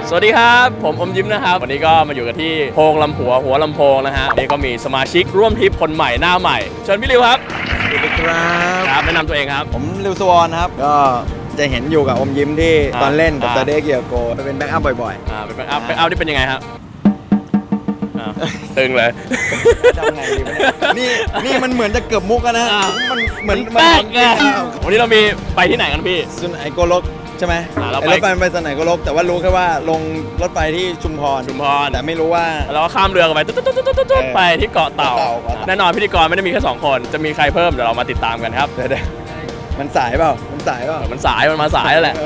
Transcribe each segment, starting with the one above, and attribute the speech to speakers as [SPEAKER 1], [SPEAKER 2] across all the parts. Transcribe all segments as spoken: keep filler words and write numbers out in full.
[SPEAKER 1] สวัสดีครับผมอมยิ้มนะครับวันนี้ก็มาอยู่กันที่โพงลำหัวหัวลำโพงนะฮะวันนี้ก็มีสมาชิกร่วมทริปคนใหม่หน้าใหม่เชิญพี่ริวครับ
[SPEAKER 2] สวัสดีครับ
[SPEAKER 1] ครับแนะนำตัวเองครับ
[SPEAKER 2] ผมริวสวอนครับก็จะเห็นอยู่กับอมยิ้มที่ตอนเล่นกับตาเด็กเกียร์โกไปเป็นแบ็กอัพบ่อย
[SPEAKER 1] ๆอ่าเป็นแบ็กอัพแบ็กอัพที่เป็นยังไงครับตึงเลย
[SPEAKER 2] ทำไงดีวะเนี่ยนี่นี่มันเหมือนจะเกือบมุกนะมันเหมือน
[SPEAKER 1] แป๊กไงวันนี้เรามีไปที่ไหนกันพี่
[SPEAKER 2] สุนไอโกลกใช่ไหม
[SPEAKER 1] รถ
[SPEAKER 2] ไฟไปสุนไอโกลกแต่ว่ารู้แค่ว่าลงรถไฟที่ชุมพร
[SPEAKER 1] ชุมพร
[SPEAKER 2] แต่ไม่รู้ว่า
[SPEAKER 1] เราก็ข้ามเรือกันไปตุ๊ดๆๆๆไปที่เกาะเต่าแน่นอนพิธีกรไม่ได้มีแค่สองคนจะมีใครเพิ่มเดี๋ยวเรามาติดตามกันครับ
[SPEAKER 2] เดี๋ยวมันสายเปล่ามันสายเปล่า
[SPEAKER 1] มันสายมันมาสายแล้วแหละ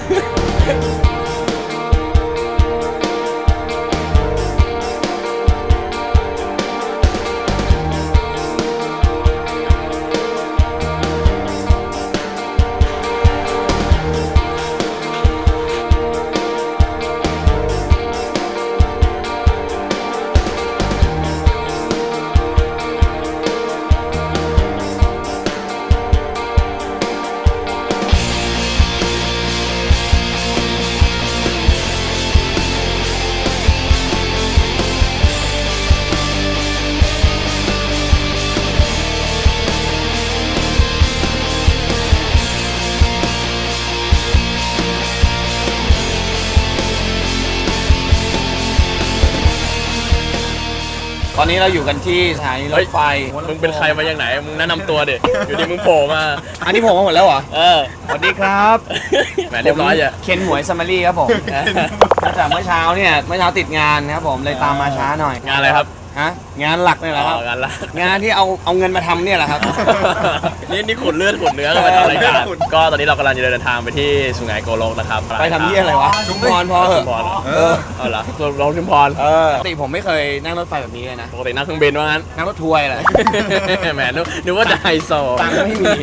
[SPEAKER 3] ตอนนี้เราอยู่กันที่สถานีรถไฟ
[SPEAKER 1] มึงเป็นใครมาอย่างไหนมึงแนะนำตัวดิอยู่ดีมึงโผล่มา
[SPEAKER 3] อันนี้ผมมาหมดแล้วเหรอ
[SPEAKER 1] เออ
[SPEAKER 3] สวัสดีครับ
[SPEAKER 1] แหมเรียบร้อยอ่ะ
[SPEAKER 3] เคนหมวยซัมมารี่ครับผมจากเมื่อเช้าเนี่ยเมื่อเช้าติดงานครับผมเลยตามมาช้าหน่อย
[SPEAKER 1] งานอะไรครับ
[SPEAKER 3] ฮะงานหลักนี่แหละครับ
[SPEAKER 1] งานหลัก
[SPEAKER 3] งานที่เอาเอาเงินมาทำเนี่ยแหละครับ
[SPEAKER 1] นี่นี่ขุดเลือดขุดเนื้อกันมาทำรายการก็ตอนนี้เรากำลังจะเดินทางไปที่สุไหงโกลกนะครับ
[SPEAKER 3] ไปทำเยี่ยอะไรวะชุมพรพอเหรอ
[SPEAKER 1] เออเอาละลงชุมพร
[SPEAKER 3] เออปกติผมไม่เคยนั่งรถไฟแบบนี้เลยนะ
[SPEAKER 1] ปกตินั่งเครื่องบินว่างั้น
[SPEAKER 3] นั่งรถทัวร์แหละ
[SPEAKER 1] แหมนึกว่าจะไฮโซ
[SPEAKER 3] ตังค์ไม่มี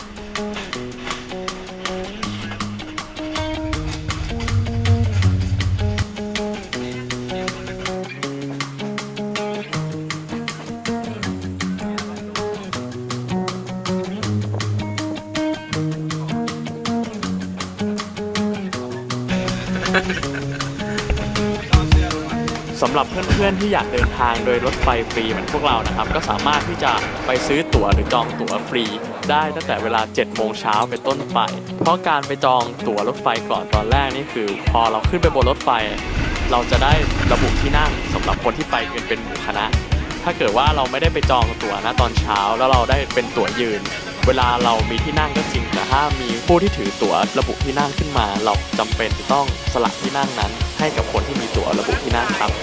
[SPEAKER 1] สำหรับเพื่อนๆที่อยากเดินทางโดยรถไฟฟรีเหมือนพวกเรานะครับก็สามารถที่จะไปซื้อตั๋วหรือจองตั๋วฟรีได้ตั้งแต่เวลาเจ็ดโมงเช้าเป็นต้นไปเพราะการไปจองตั๋วรถไฟก่อนตอนแรกนี่คือพอเราขึ้นไปบนรถไฟเราจะได้ระบุที่นั่งสำหรับคนที่ไปกันเป็นหมู่คณะถ้าเกิดว่าเราไม่ได้ไปจองตั๋วนะตอนเช้าแล้วเราได้เป็นตั๋วยืนเวลาเรามีที่นั่งก็จริงแต่ถ้ามีผู้ที่ถือตั๋วระบุที่นั่งขึ้นมาเราจำเป็นจะต้องสละที่นั่งนั้นให้กับคนที่มีตั๋วระบุที่นั่งครับ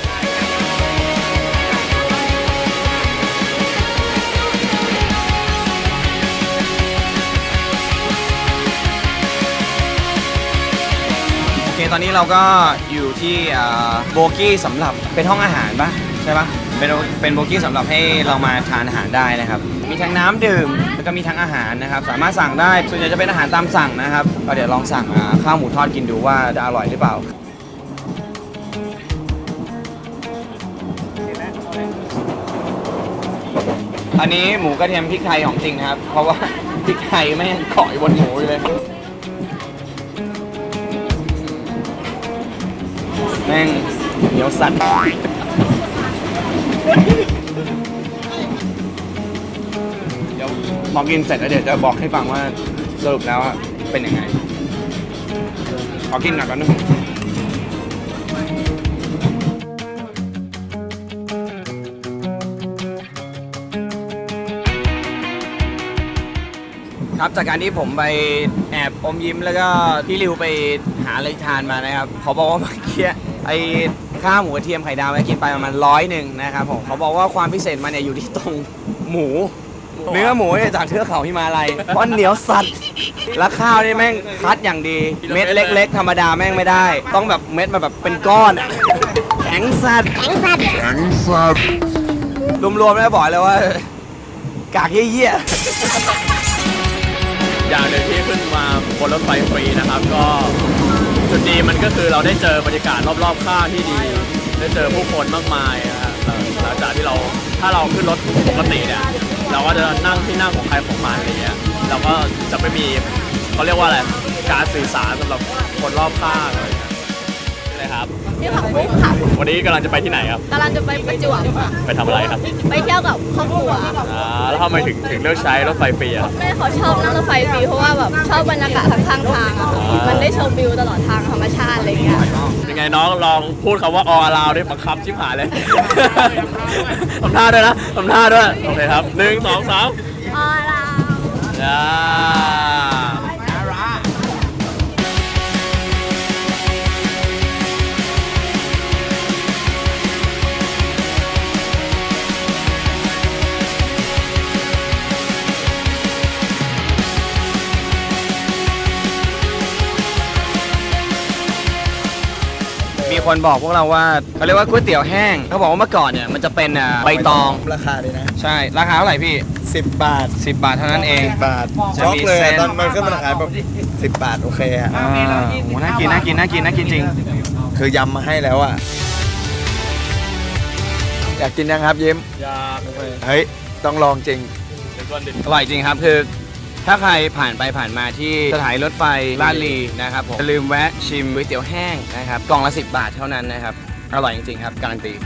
[SPEAKER 3] โอเคตอนนี้เราก็อยู่ที่โบกี้สำหรับเป็นห้องอาหารปะใช่ปะเป็นเป็นโบกี้สำหรับให้เรามาทานอาหารได้นะครับมีทั้งน้ำดื่มแล้วก็มีทั้งอาหารนะครับสามารถสั่งได้ส่วนใหญ่จะเป็นอาหารตามสั่งนะครับก็เดี๋ยวลองสั่งข้าวหมูทอดกินดูว่าจะอร่อยหรือเปล่าอันนี้หมูกระเทียมพริกไทยของจริงครับเพราะว่าพริกไทยไม่เกาะอยู่บนหมูเลยแม่งเหนียวสัตว์เดี๋ยวพอกินเสร็จแล้วเดี๋ยวจะบอกให้ฟังว่าสรุปแล้วเป็นยังไงขอกินหน่อยก่อนนะครับจากการที่ผมไปแอบอมยิ้มแล้วก็พี่ริวไปหาอะไรทานมานะครับเขาบอกว่าเมื่อกี้ไอ้ข้าวหมูกระเทียมไข่ดาวไปกินไปประมาณร้อยหนึ่งนะครับผมเขาบอกว่าความพิเศษมันเนี่ยอยู่ที่ตรงหมูเนื้อหมูเนี่ยจากเทือกเขาฮิมาลัยเพราะเหนียวสัตว์แล้วข้าวนี่แม่งคัดอย่างดีเม็ดเล็กๆธรรมดาแม่งไม่ได้ต้องแบบเม็ดมาแบบเป็นก้อนแข็งสัตว์แข็งสัตว์แข็งสัตว์รวมๆแล้วบอกเลยว่ากากเยี่ย
[SPEAKER 1] อย่างหนึ่งที่ขึ้นมาบนรถไฟฟรีนะครับก็จุดดีมันก็คือเราได้เจอบรรยากาศรอบๆข้างที่ดีได้เจอผู้คนมากมายนะครับหลังจากที่เราถ้าเราขึ้นรถปกติเนี่ยเราก็จะนั่งที่นั่งของใครของมันอะไรเงี้ยเราก็จะไม่มีเขาเรียกว่าอะไรการสื่อสารสำหรับคนรอบข้างอะไรเงี้ยอะไรครับครับ
[SPEAKER 4] ชื่อผักบุ้งค่ะ
[SPEAKER 1] วันนี้กำลังจะไปที่ไหนครับ
[SPEAKER 4] กำลังจะไปประจวบ
[SPEAKER 1] ไปทำอะไรครับ
[SPEAKER 4] ไปเที่ยวกับครอบครัว
[SPEAKER 1] อ่าแล้วทำไมถึงถึงเลือกใช้รถไฟฟรีอะครับ
[SPEAKER 4] แม่เขาชอบนั่งรถไฟฟรีเพราะว่าแบบชอบบรรยากาศทางข้างทางอะค่ะมันได้ชมวิวตลอดทางธรรมชาติอะไรเงี้ย
[SPEAKER 1] ยังไงน้องลองพูดคำว่าออลาวได้บังคับชิบหายเลย ทำท่าด้วยนะทำท่าด้วยโอเคครับหนึ่งสองสาม
[SPEAKER 4] ออลาว
[SPEAKER 1] จ้า
[SPEAKER 3] มีคนบอกพวกเราว่าเขาเรียกว่าก๋วยเตี๋ยวแห้งเขาบอกว่าเมื่อก่อนเนี่ยมันจะเป็นอ่าใบตอง
[SPEAKER 2] ราคาเลยนะ
[SPEAKER 3] ใช่ราคาเท่าไหร่พี่
[SPEAKER 2] สิบบาท
[SPEAKER 3] สิบบาทเท่านั้นเอง
[SPEAKER 2] สิบบาท
[SPEAKER 3] จะ
[SPEAKER 2] ช็อก
[SPEAKER 3] มี
[SPEAKER 2] เลย
[SPEAKER 3] เส้น
[SPEAKER 2] ตอนมันขึ้นมาขายแบบสิบบาทโอเคอะ
[SPEAKER 3] อ่าโหน่ากินน่ากินน่ากินน่ากินจริง
[SPEAKER 2] คือยำมาให้แล้วอะอยากกินยังครับยิ้ม
[SPEAKER 1] อยาก
[SPEAKER 2] เฮ้ยต้องลองจริง
[SPEAKER 1] เดี๋ยวก่อนดิ
[SPEAKER 3] อร่อยจริงครับคือถ้าใครผ่านไปผ่านมาที่สถานีรถไฟลาดลีนะครับผมอย่าลืมแวะชิมก๋วยเตี๋ยวแห้งนะครับกล่องละสิบบาทเท่านั้นนะครับอร่อยจริงๆครับการันตี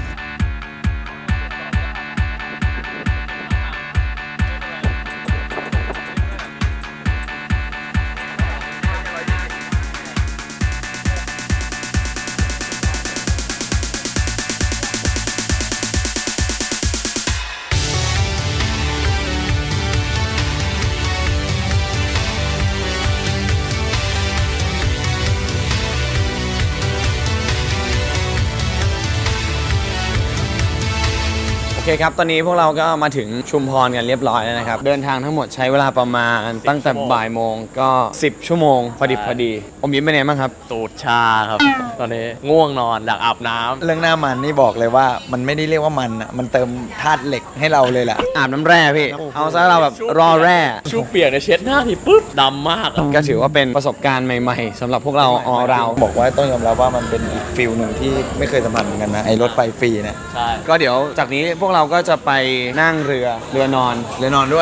[SPEAKER 3] โอเคครับ ตอนนี้พวกเราก็มาถึงชุมพรกันเรียบร้อยแล้วนะครับ เดินทางทั้งหมดใช้เวลาประมาณตั้งแต่บ่ายโมงก็ สิบ ชั่วโมง พอดิบพอดี อมยิ้มเป็นไงบ้างครับ
[SPEAKER 1] ตูดชาครับ ตอนนี้ง่วงนอนอยากอาบน้ำ
[SPEAKER 2] เรื่องหน้ามันนี่บอกเลยว่ามันไม่ได้เรียกว่ามันอะมันเติมธาตุเหล็กให้เราเลยแหละ
[SPEAKER 3] อาบน้ำแร่พี่ เอาซะเราแบบรอแร่
[SPEAKER 1] ชูเปียกเนี่ยเช็ดหน้าทีปุ๊บดำมากอะ
[SPEAKER 3] ก็ถือว่าเป็นประสบการณ์ใหม่ๆสำหรับพวกเราออเรา
[SPEAKER 2] บอกว่าต้องยอมรับว่ามันเป็นอีกฟิลหนึ่งที่ไม่เคยสัมผัสเหมือนกันนะไอ้รถไฟฟรีเนี่ย
[SPEAKER 1] ใช่
[SPEAKER 3] ก็เดี๋ยวจากนี้พวกเราก็จะไปนั่งเรือเรือนอน
[SPEAKER 2] เรือนอนด้วย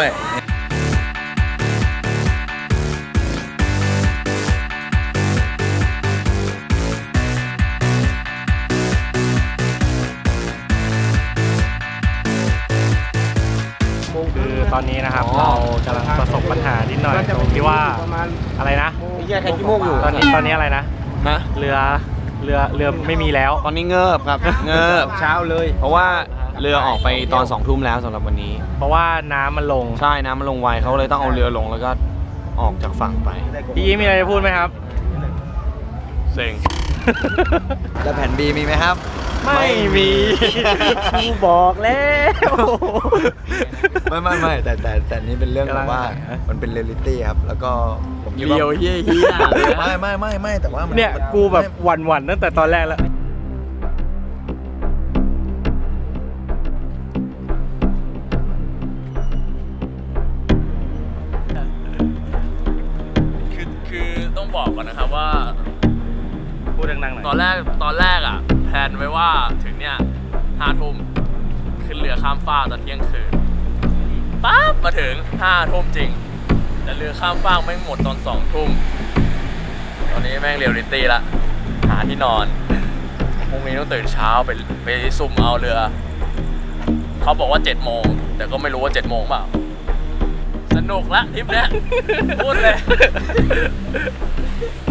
[SPEAKER 5] คือตอนนี้นะครับเรากำลังประสบปัญหานิดหน่อยตรงที่ว่าอะไรนะ
[SPEAKER 3] แยกใครขี้มูกอยู่
[SPEAKER 5] ตอนนี้ตอนนี้อะไรนะ
[SPEAKER 3] ฮะ
[SPEAKER 5] เรือเรือเรือไม่มีแล้ว
[SPEAKER 3] ตอนนี้เงิบครับ เงิบเช้าเลย เพราะว่าเรือออกไปตอนสองทุ่มแล้วสำหรับวันนี้
[SPEAKER 5] เพราะว่าน้ำมันลง
[SPEAKER 3] ใช่น้ำมันลงไวเขาเลยต้องเอาเรือลงแล้วก็ออกจากฝั่งไป
[SPEAKER 5] พี่ยิ้มมีอะไรจะพูดไหมครับ
[SPEAKER 1] เซ็ง
[SPEAKER 2] แล้วแผ่น B มีไหมครับ
[SPEAKER 5] ไม่มีกูบอกแล้ว
[SPEAKER 2] ไม่ไม่ไม่แต่แต่แต่นี่เป็นเรื่องแบบว่า
[SPEAKER 5] กำลังหา
[SPEAKER 2] มันเป็นเรียลลิตี้ครับ แล้วก็ผมคิด
[SPEAKER 1] เลียว
[SPEAKER 2] ว่า
[SPEAKER 1] เฮี้ยเฮี้ยเลย
[SPEAKER 2] ไม่ไม่ไม่ไม่แต่ว่ามั
[SPEAKER 5] เนี่ย
[SPEAKER 2] มั
[SPEAKER 5] กูแบบ
[SPEAKER 2] ไม่
[SPEAKER 5] หวั่นหวั่นๆตั้งแต่ตอนแรกแล้ว
[SPEAKER 1] คือคือต้องบอกก่อนนะครับว่า
[SPEAKER 5] พูดดังๆหน่อย
[SPEAKER 1] ตอนแรกตอนแรกอ่ะแพลนไว้ว่าถึงเนี่ยห้าทุ่มขึ้นเรือข้ามฟากตอนเที่ยงคืนปั๊บมาถึงห้าทุ่มจริง แต่เรือข้ามฟากแม่งหมดตอนสองทุ่มตอนนี้แม่งเรียลลิตี้ละหาที่นอนพรุ่งนี้ต้องตื่นเช้าไปไปซุ่มเอาเรือ เขาบอกว่าเจ็ดโมงแต่ก็ไม่รู้ว่าเจ็ดโมงเปล่าสนุกละทริปเนี้ยพูดเลย